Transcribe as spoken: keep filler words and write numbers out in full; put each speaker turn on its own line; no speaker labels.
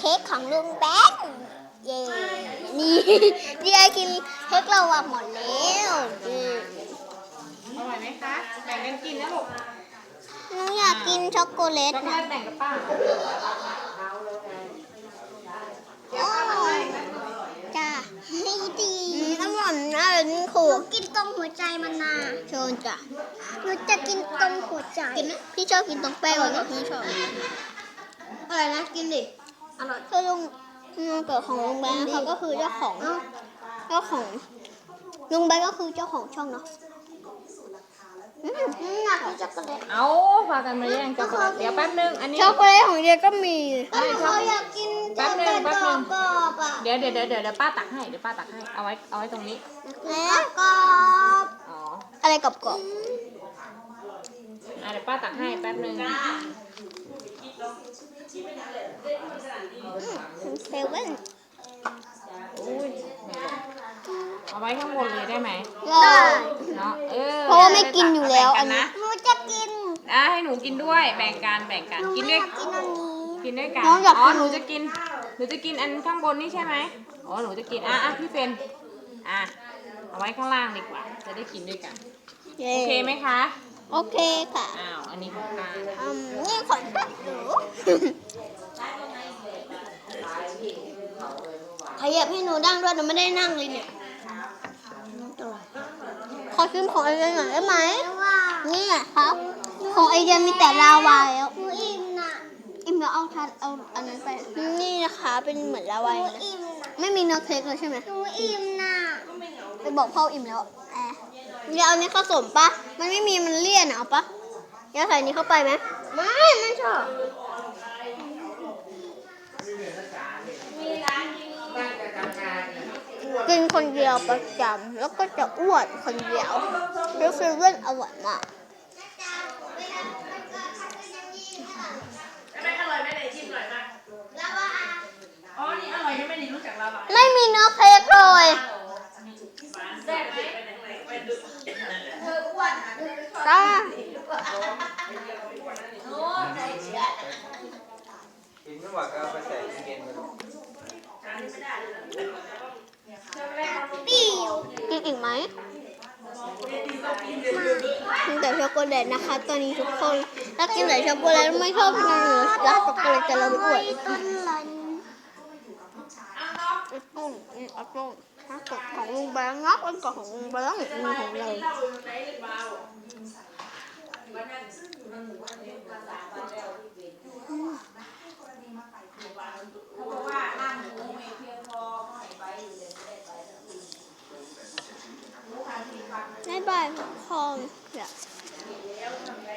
ค้กของลุงแบงค์เย่นี่เดียกินเค้กเราอะหมดแล้วเย่
อร่อยไหมคะแบ่งกันกินนะลูก
หนูอยากกินช็อกโกแลต
ช็อกโก
นะ
แลตแบ่งกับป้า
โอ้จ้าให้ดีอร่อยนะนี่คือกินตรงหัวใจมันนะเชิญจ้ะหนูจะกินตรงหัวใจกินนะพี่ชอบกินตรงแป้งเลยพี่ชอบอะไรนะกินดิอร่อยคือลุงลุงเกิดของลุงแบงค์เขาก็คือเจ้าของเจ้าของลุงแบงค์ก็คือเจ้าของช่องเนาะอืมอยากกินช็อกโกแลต
เอาพากันมาแย่งช็อกโกแลตเดี๋ยวแป๊บนึงอันนี้
ช็อกโกแลตของเดียก็มี
ไม่ชอบ
อยากกิน
แป๊บนึงแป๊บนึง
กรอบอ่ะ
เดี๋ยวเดี๋ยวเดี๋ยวเดี๋ยวป้าตักให้เดี๋ยวป้าตักให้เอาไว้เอาไว้ตรงนี้
แล้วกรอบ
อ๋อ
อะไรกรอบกรอบ
อ่ะเดี๋ยวป้าตักให้แป๊บนึง
เซเว่น
อุ้ยเอาไว้ข้างบนเลยได้ไหม
ได้
เนาะเออ
เพราะว่าไม่กินอยู่แล้วอัน
แบ่ง
นี้
นะ
หนูจะกิน
อ่ะให้หนูกินด้วยแบ่งกันแบ่งกันกินด้วย
กินอันนี้
กินด้วยกัน
น้องอยากกิน
อ๋อหนูจะกินหนูจะกินอันข้างบนนี่ใช่ไหมอ๋อหนูจะกินอ่ะอ่ะพี่เฟนอ่ะเอาไว้ข้างล่างดีกว่าจะได้กินด้วยกันโอเคไหมคะ
โอเคค่ะ
อ้าวอันนี้ของป้า
อืมนี่ของป้าหนูขยับให้หนูนั่งด้วยหนูไม่ได้นั่งเลยเนี่ยขอชิมของไอเดียหน่อยได้ไหมนี่ไงครับ ของไอเดียมีแต่ลาวาแล้วหนูอิ่มนะอิ่มแล้วเอาทันเอาอันนั้นไปนี่นะคะเป็นเหมือนลาวาเลยไม่มีเนื้อเค้กเลยใช่ไหมหนูอิ่มนะไปบอกพ่ออิ่มแล้วแอบเดี๋ยวเอานี้ผสมปะมันไม่มีมันเลี่ยนอะเอาปะเดี๋ยวใส่นี้เข้าไปไหมไม่ไม่ชอบกินคนเดียวประจำแล้วก็จะอ้วนคนเดียวแล้วเซเว่นอร่อยมาก
ไม่อร่อยไม่ได้ชิมอร่อยมากอ๋อนี่อร่อยยังไม่ได้รู้จักลาวา
ไม่มีเนื้อเค้กเลย
แซ่บไหม
จ้า
กินไม่หวานก็เอาไปใส่ตู้เย็นไป
ปิ้วกินอีกไหมกินแต่ช็อกโกแลตนะคะ ตอนนี้ทุกคนถ้ากินแต่ช็อกโกแลตไม่ชอบกินหรือรักช็อกโกแลตจะเราไม่อ้วนต้นลันไอ้ต้นไอ้ต้นถ้ากดของลุงแบงค์งับอันกดของลุงแบงค์มีของเราบ๊ายบายทุกคน